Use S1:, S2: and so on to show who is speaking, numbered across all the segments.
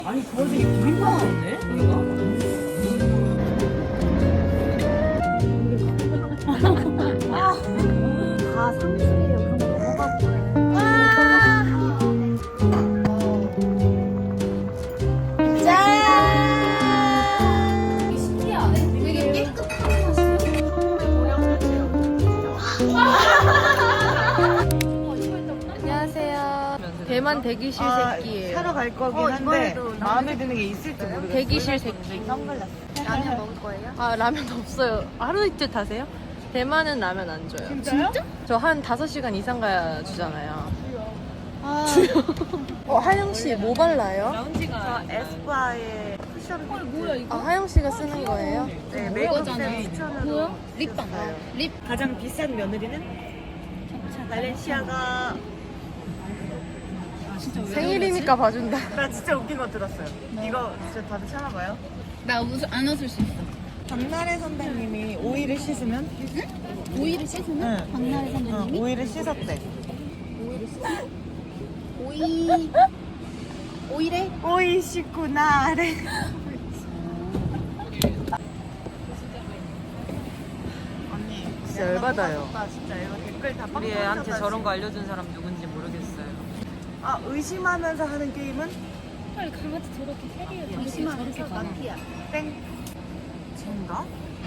S1: 아니 그 와중에 비빔밥 먹네?
S2: 다 상술이에요. 그런 거 먹어보래. 짠! 신기하네. 되게 깨끗한 맛이야.
S3: 안녕하세요. 대만 대기실 새끼예요.
S4: 사러 갈 거긴 한데 마음에 드는 게 있을지 모르겠어요.
S3: 대기실 새끼.
S4: 선글라스.
S2: 라면 먹을 거예요?
S3: 아, 라면 없어요. 하루 이틀 타세요? 대만은 라면 안 줘요.
S4: 진짜요?
S3: 저 한 5시간 이상 가야 주잖아요.
S2: 아,
S3: 하영 씨 뭐 발라요?
S4: 저 에스쁘아의 쿠션 뭐야
S3: 아, 하영 씨가 쓰는 거예요?
S4: 네, 메이크업쌤 추천으로
S2: 립밤.
S4: 주셨어요.
S2: 립.
S4: 가장 비싼 며느리는 발렌시아가.
S3: 생일이니까 봐준다.
S4: 나 진짜 웃긴 거 들었어요. 이거 진짜 다들 참아봐요.
S2: 나 안 웃을 수 있어.
S4: 박나래 선배님이 오이를 씻으면
S2: 오이를 씻으면? 박나래 선배님이?
S4: 오이를 씻었대.
S2: 오이래?
S4: 오이 씻고 나래. 언니
S3: 진짜 열받아요.
S4: 나 진짜 이거 댓글 다
S1: 우리 애한테
S4: 빡빡하다,
S1: 저런
S4: 지금.
S1: 거 알려준 사람 누군지 모르겠어요.
S4: 아, 의심하면서 하는 게임은
S2: 빨리 강아지 저렇게 세리에 의심하면서 마피아.
S4: 땡. 쟤인가?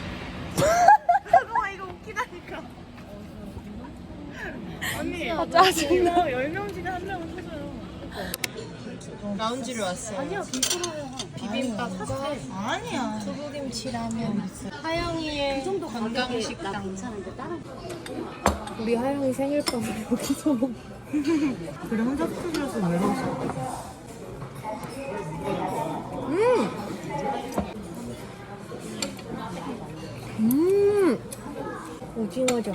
S4: 잠깐만, 이거 웃기다니까. 언니,
S3: 짜증나.
S4: 10명 중에 한 명은 터져요.
S3: 라운지를 왔어요.
S2: 아니야, 비프로요. 비빔밥 사실.
S4: 아니야.
S3: 두부김치라면. 하영이의 건강식당.
S2: 괜찮은데 다른 거.
S3: 우리 하영이 생일빵을 여기서 먹
S4: 그래, 혼자 스튜디오에서 외로웠어.
S3: 오징어죠.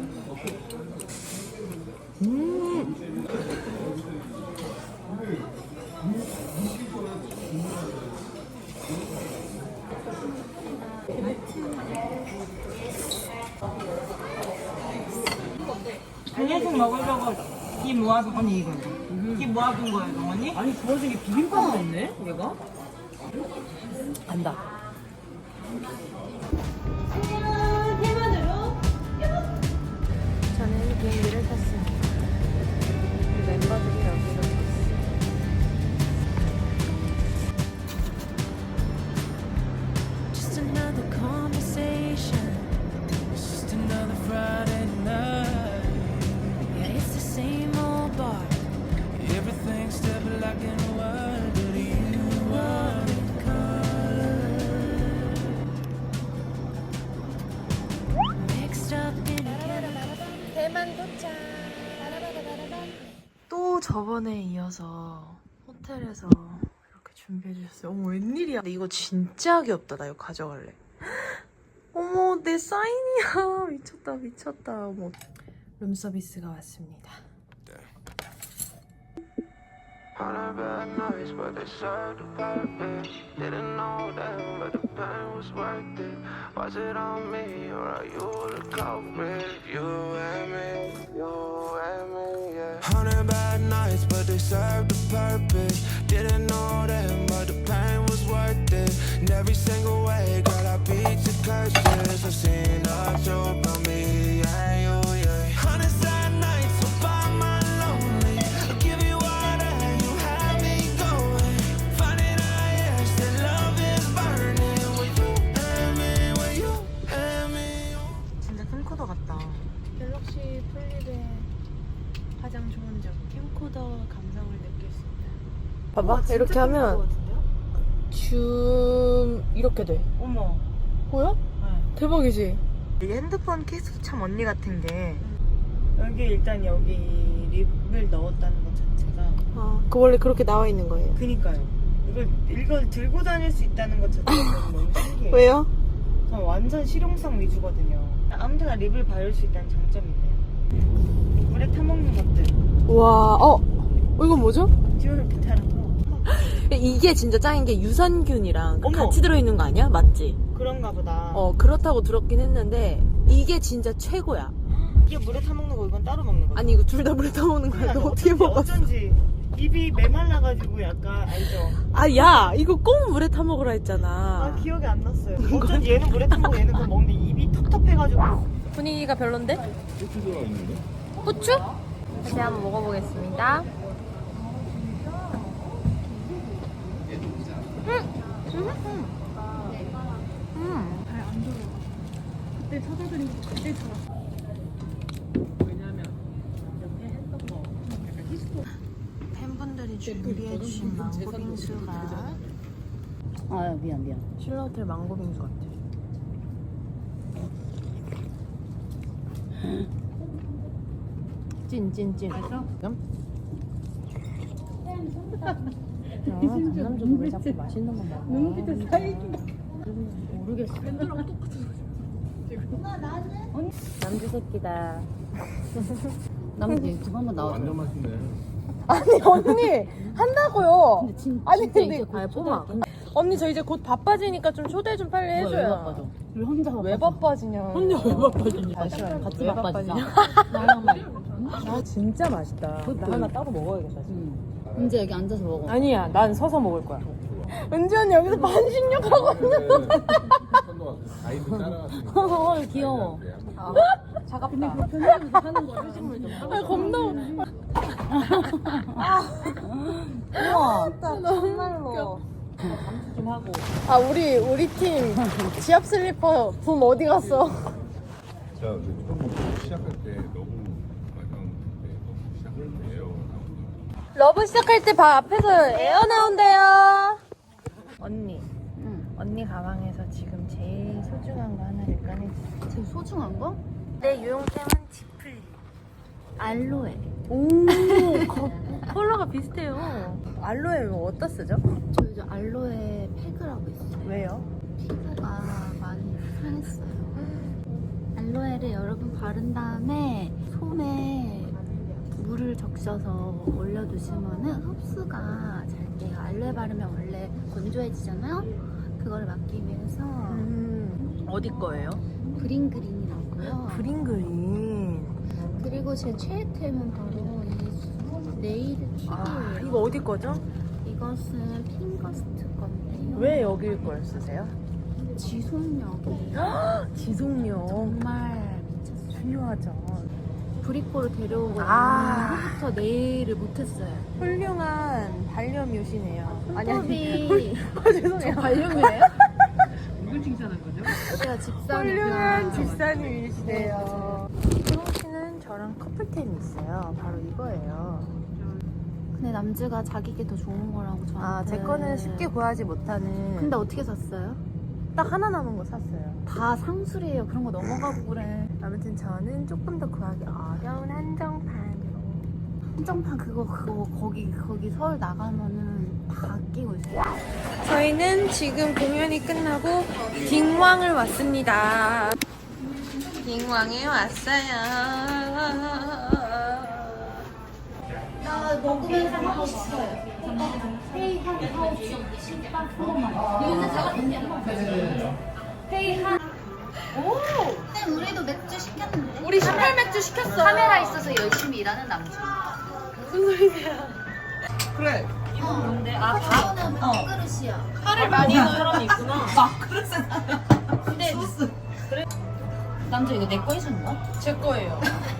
S4: 간장국 먹으려고 이 모아둔, 언니 이거. 이 모아둔 거예요, 어머니?
S1: 아니 그 와중에 비빔밥 먹네? 얘가?
S3: 간다. 저는 비행기를 탔습니다. 우리 멤버들이 여기로 탔어요.
S5: Just another conversation. It's just another Friday night. Yeah, it's the same old bar. Everything's still black and white, but you are in color. Mixed up in a
S3: 대만 도착. 또 저번에 이어서 호텔에서 이렇게 준비해 주셨어요. 어머, 웬일이야. 근데 이거 진짜 귀엽다. 나 이거 가져갈래. 어머, 내 사인이야. 미쳤다, 미쳤다. 어머. 룸서비스가 왔습니다.
S6: On a bad nights, but they served the purpose. Didn't know them, but the pain was worth it. Was it on me, or are you the culprit? You and me, yeah. 100 bad nights, but they served the purpose. Didn't know them, but the pain was worth it. In every single way, girl, I beat the curses. I've seen the truth about me and you, yeah. 100 sad nights, so by my lonely. I'll give you all that you had me going. Finding out, yes, that love is burning. With you and me, with you and me.
S4: 진짜 캠코더 같다.
S3: 갤럭시 플립의 가장 좋은 점, 캠코더 감성을 느낄 수 있다. 봐봐, 이렇게 하면 줌 이렇게 돼.
S4: 어머.
S3: 보여?
S4: 네.
S3: 대박이지?
S4: 이 핸드폰 케이스도 참 언니 같은 게 여기 일단 여기 립을 넣었다는 것 자체가
S3: 아, 그 원래 그렇게 나와 있는 거예요.
S4: 그니까요. 이걸 들고 다닐 수 있다는 것 자체가 너무 신기해요.
S3: 왜요?
S4: 저 완전 실용성 위주거든요. 아무데나 립을 바를 수 있다는 장점이 있네요. 물에 타먹는 것들.
S3: 와, 이건 뭐죠?
S4: 듀얼 비타라고.
S3: 이게 진짜 짱인 게 유산균이랑
S4: 어머.
S3: 같이 들어있는 거 아니야? 맞지?
S4: 그런가 보다.
S3: 그렇다고 들었긴 했는데 이게 진짜 최고야.
S4: 이게 물에 타먹는 거 이건 따로 먹는 거죠.
S3: 아니, 이거 둘 다 물에 타먹는 거야. 너 어떻게 먹었어?
S4: 어쩐지 입이 메말라가지고 약간 알죠?
S3: 아, 야, 이거 꼭 물에 타 먹으라
S4: 아
S3: 했잖아.
S4: 기억이 안 났어요. 어쩐지 얘는 물에 타고 얘는 그거 먹는데 입이 텁텁해가지고.
S3: 분위기가 별론데? 후추? 다시 한번 먹어보겠습니다. 팬분들이 준비해주신 망고빙수가
S2: 아 미안.
S3: 신라호텔 망고빙수 같아. 찐. 남자도 왜 자꾸 맛있는 건 먹어? 눈빛에 살기가 모르겠어. 밴드랑 똑같은 남주 새끼다.
S2: 남자 유튜브 한번 나와줘.
S7: 완전 맛있네.
S3: 아니 언니 한다고요.
S2: 근데
S3: 아니
S2: 진짜
S3: 근데
S2: 이제 곧
S3: 뽀마. 언니 저 이제 곧 바빠지니까 좀 초대 좀 빨리
S2: 왜
S3: 해줘요.
S2: 바빠져? 왜 혼자 바빠져?
S3: 왜 바빠지냐?
S2: 혼자 왜 바빠지냐?
S3: 잠시만요.
S2: 같이
S3: 왜
S2: 바빠지자.
S3: 바빠지냐? 아 진짜 맛있다. 나 하나 따로 먹어야겠다. 지금.
S2: 이제 여기 앉아서 먹어.
S3: 아니야, 난 서서 먹을 거야. 은지 언니 여기서 반신욕 하고 있는 거.
S7: 가이드 따라가서
S2: 귀여워.
S3: 차갑다. 편의점에서 하는 거야. 아 겁나.
S2: 우와.
S3: 정말로. 좀 하고. 아 우리 팀 지압 슬리퍼 붐 어디 갔어?
S7: 자, 처음 먹고 시작할 때 너무 너무 시작할 때 에어
S3: 러브 시작할 때 바 앞에서 에어 나온대요. 언니. 언니 가방에서 지금 제일 소중한 거 하나를 꺼내주세요.
S2: 제일 소중한 거?
S3: 내 유용템은 지플리.
S2: 알로에.
S3: 오, 컬러가 비슷해요. 알로에 뭐 어디다 쓰죠?
S2: 저 이제 알로에 팩을 하고 있어요.
S3: 왜요?
S2: 피부가 많이 상했어요. 알로에를 여러분 바른 다음에 솜에 물을 적셔서 올려두시면은 흡수가 잘 돼요. 알로에 바르면 원래 건조해지잖아요. 그거를 막기 위해서
S3: 어디 거예요?
S2: 그린이라고요.
S3: 그린.
S2: 그리고 제 최애템은 바로 이 네일 팁이에요.
S3: 아, 이거 어디 거죠?
S2: 이것은 핑거스트 건데요.
S3: 왜 여기 걸 쓰세요?
S2: 지속력이에요.
S3: 지속력.
S2: 정말 미쳤어요.
S3: 중요하죠.
S2: 브리코를 데려오고
S3: 아.
S2: 난 후부터 네일을 못했어요.
S3: 훌륭한 반려묘시네요.
S2: 손톱이
S3: 죄송해요.
S2: 관련이에요?
S1: 누굴 칭찬한 거죠?
S2: 제가 집사니까.
S3: 훌륭한 집사님이시네요. 희동 씨는 저랑 커플템이 있어요. 바로 이거예요.
S2: 근데 남주가 자기게 더 좋은 거라고 저한테.
S3: 아, 제 거는 쉽게 구하지 못하는.
S2: 근데 어떻게 샀어요?
S3: 딱 하나 남은 거 샀어요.
S2: 다 상술이에요. 그런 거 넘어가고 그래.
S3: 아무튼 저는 조금 더 구하기 어려운 한정판으로.
S2: 한정판 그거 거기 서울 나가면은 다 끼고 있어요.
S3: 저희는 지금 공연이 끝나고 딩왕을 왔습니다. 딩왕에 왔어요.
S2: 나 먹으면서 하고 싶어요. 회의한 파우치 18%만. 이거는 제가 언니 회의한. 오! 근데 우리도 맥주 시켰는데.
S3: 우리 신발 맥주 시켰어.
S2: 카메라 있어서 열심히 일하는 남자.
S3: 무슨 소리세요?
S1: 그래.
S2: 이건 뭔데? 아, 밥은 밥그릇이야.
S3: 살을 많이 넣은 사람이 있구나.
S2: 근데 그래. 남자 이거 내 거 해주는 거야?
S3: 제 거예요.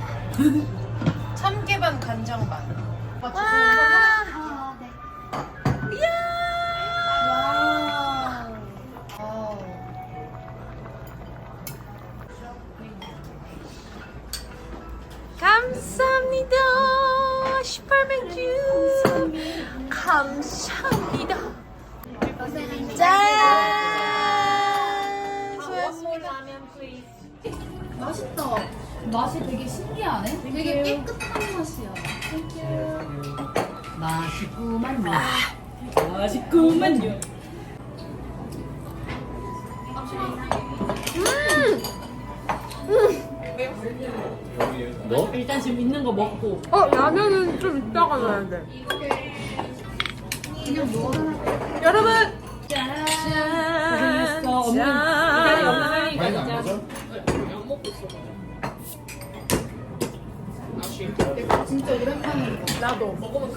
S3: 참깨반 간장반.
S2: 와. 아, 네.
S3: 이야.
S2: 와우.
S3: 감사합니다. 18맥주. 감사합니다. 짠. 수고했습니다.
S2: 맛있다. 맛이 되게 신기하네. 되게 깨끗한 맛이야. 맛있구만요.
S1: 맛있구만요.
S7: 뭐?
S1: 일단 지금 있는 거 먹고.
S3: 라면은 좀 이따가 넣어야 돼.
S2: 그냥 먹어라.
S3: 여러분.
S1: 짠.
S3: 짠.
S1: 없는. 이달이 없는 할리
S7: 많이 안
S1: 가자.
S7: 먹어?
S1: 안 먹고 있어.
S2: 진짜 오랜만에
S3: 나도 먹으면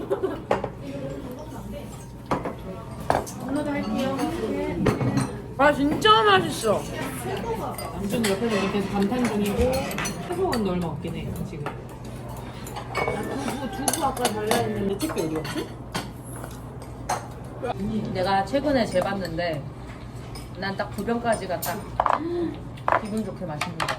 S3: 아 진짜 맛있어.
S1: 남준 옆에서 이렇게 감탄 중이고 해소는 얼마 없긴 해 지금. 두부 아까 달라 했는데 택배 어디 갔지?
S8: 내가 최근에 재봤는데 난 딱 2병까지가 딱 기분 좋게 마시는 거.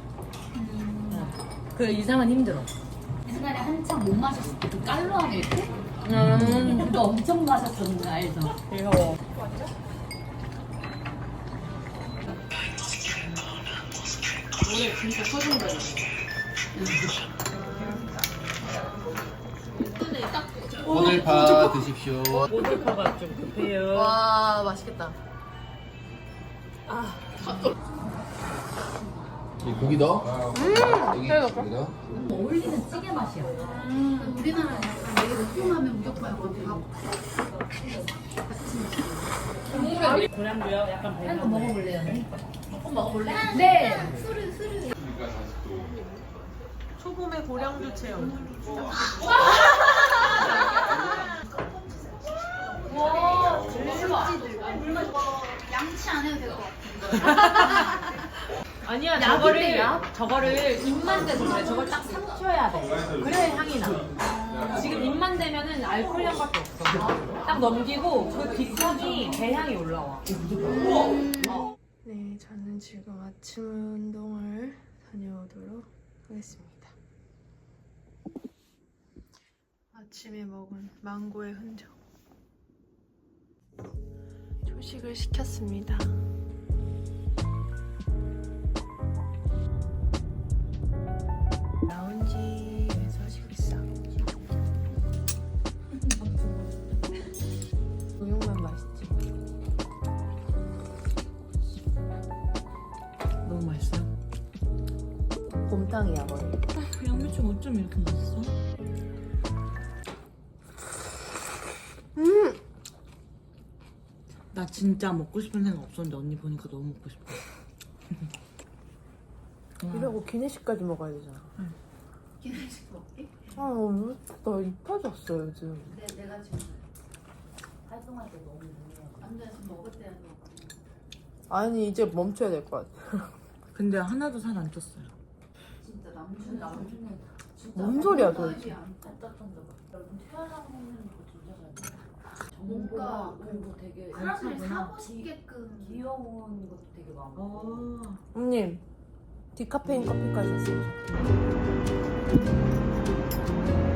S8: 그 이상은 힘들어.
S2: 옛날에 한참 못 마셨을 때 그 깔로아 밀크? 그거 엄청 마셨었는데 알죠?
S8: 귀여워.
S1: 노래 진짜 터진다.
S9: 오늘파 드십시오.
S1: 모들파가 좀 급해요.
S3: 와 맛있겠다.
S9: 이 고기 넣어? 여기 고기 넣어?
S2: 어울리는 찌개 맛이야. 우리나라 약간 되게 매콤하면 무조건 약간 밥.
S1: 고량주요? 약간
S2: 이거
S1: 배는
S2: 먹어볼래요? 조금 먹어볼래? 네.
S3: 초봄의 고량주 체험.
S2: 양치 안 해도 될 것 같아.
S1: 아니야 저거를 입만 대서 그래. 저걸 딱 삼켜야 돼. 그래야 향이 나. 지금 입만 대면은 알코올 향밖에 없어. 딱 넘기고 그 뒷향이 배향이 올라와.
S3: 네, 저는 지금 아침 운동을 다녀오도록 하겠습니다. 아침에 먹은 망고의 흔적. 조식을 시켰습니다. 라운지에서 식사. 우육만 맛있지.
S1: 너무 맛있어요?
S3: 곰탕이야 거의.
S1: 양배추 어쩜 이렇게 맛있어? 나 진짜 먹고 싶은 생각 없었는데 언니 보니까 너무 먹고 싶어.
S3: 이러고 기내식까지 먹어야 되잖아.
S2: 기내식 먹게?
S3: 나입 빠졌어 요즘.
S2: 내가 지금 활동할 때 너무 완전 먹을 때는
S3: 아니 이제 멈춰야 될 것 같아.
S1: 근데 하나도 살 안 쪘어요.
S2: 진짜 남준은
S3: 뭔 소리야 도대체.
S2: 안 땄던데 여러분 태어나고 먹는 거 진짜 잘 돼. 뭔가 그리고 되게 사람들이 사고 싶게끔 귀여운 것도 되게 많고.
S3: 형님 디카페인 커피까지 샀어요.